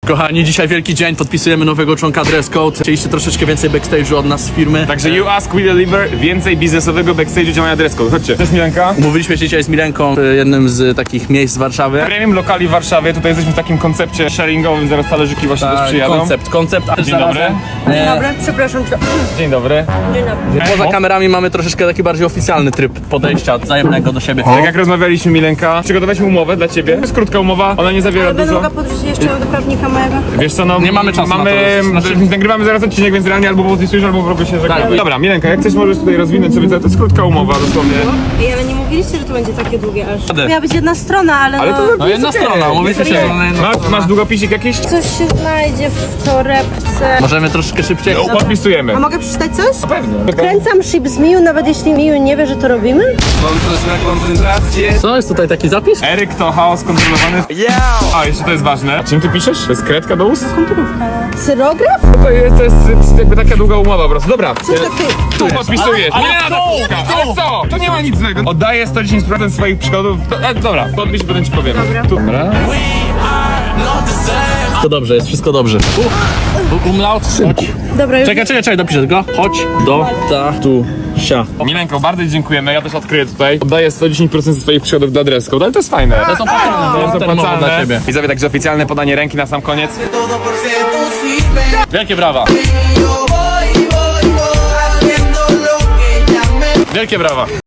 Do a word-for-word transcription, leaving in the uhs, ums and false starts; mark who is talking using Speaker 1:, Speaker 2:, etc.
Speaker 1: Kochani, dzisiaj wielki dzień, podpisujemy nowego członka Dress Code. Chcieliście troszeczkę więcej backstage'u od nas z firmy.
Speaker 2: Także you ask, we deliver. Więcej biznesowego backstage'u działania Dress Code. Chodźcie. Cześć Milenka.
Speaker 1: Umówiliśmy się dzisiaj z Milenką w jednym z takich miejsc w Warszawie.
Speaker 2: Premium lokali w Warszawie. Tutaj jesteśmy w takim koncepcie sharingowym. Zaraz talerzyki właśnie też przyjadą.
Speaker 1: koncept, koncept. a
Speaker 2: Dzień dobry.
Speaker 3: Dzień dobry, przepraszam cię.
Speaker 2: Dzień dobry.
Speaker 3: Dzień dobry.
Speaker 1: Poza kamerami mamy troszeczkę taki bardziej oficjalny tryb podejścia wzajemnego do siebie.
Speaker 2: Tak jak rozmawialiśmy, Milenka, przygotowaliśmy umowę dla ciebie. To jest krótka umowa, ona nie zawiera
Speaker 3: Ale będę
Speaker 2: dużo.
Speaker 3: mogła podrzucić jeszcze do prawnika mojego.
Speaker 2: Wiesz co, no
Speaker 1: Nie mamy czasu
Speaker 2: mamy,
Speaker 1: na to. Znaczy-
Speaker 2: nagrywamy zaraz odcinek, więc realnie albo podpisujesz, albo w ogóle się żegnamy.
Speaker 1: Tak.
Speaker 2: Dobra, Milenka, jak chcesz, możesz tutaj rozwinąć sobie, to jest krótka umowa dosłownie.
Speaker 3: Ej, ale nie mówiliście, że to będzie takie długie aż.
Speaker 1: Radę.
Speaker 3: Miała być jedna strona, ale,
Speaker 2: Ale
Speaker 3: no...
Speaker 2: to
Speaker 1: No jedna
Speaker 2: okej.
Speaker 1: strona, umówiliśmy się, że na jedną
Speaker 2: Masz,
Speaker 1: stronę.
Speaker 2: masz długopisik jakiś?
Speaker 3: Coś się znajdzie w torebce.
Speaker 1: Możemy troszeczkę szybciej.
Speaker 2: Podpisujemy.
Speaker 3: A mogę przeczytać coś?
Speaker 2: Pewnie.
Speaker 3: Kręcam ship z Miu, nawet jeśli Miu nie wie, że to robimy.
Speaker 1: Co, jest tutaj taki zapis?
Speaker 2: Eryk to chaos kontrolowany. A, jeszcze to jest ważne. Czym ty piszesz? To jest kredka do ust?
Speaker 3: Cyrograf?
Speaker 2: To jest, to jest, to jest jakby taka długa umowa po prostu. Dobra.
Speaker 3: Coś takiego.
Speaker 2: Tu podpisujesz.
Speaker 1: Ale-
Speaker 2: Nie,
Speaker 1: ale
Speaker 2: na
Speaker 1: tu!
Speaker 2: puszka. Ale co? To nie ma nic złego. Oddaję sto dziesięć procent swoich przychodów. To, e, dobra, podpisz, potem ci powiem.
Speaker 3: Dobra.
Speaker 2: Tu. Dobra.
Speaker 1: Wszystko dobrze, jest wszystko dobrze. U, umlaut. Chodź.
Speaker 3: Dobra, już.
Speaker 1: Czekaj, czekaj, czekaj, dopiszę go. Chodź do tatu. Sia.
Speaker 2: Milenko, bardzo dziękujemy. Ja też odkryję tutaj. Oddaję sto dziesięć procent swoich przychodów dla Dress Code, ale to jest fajne.
Speaker 1: To są opłacalne,
Speaker 2: To jest
Speaker 1: termowo dla ciebie.
Speaker 2: Widzowie, także oficjalne podanie ręki na sam koniec.
Speaker 1: Wielkie brawa. Wielkie brawa.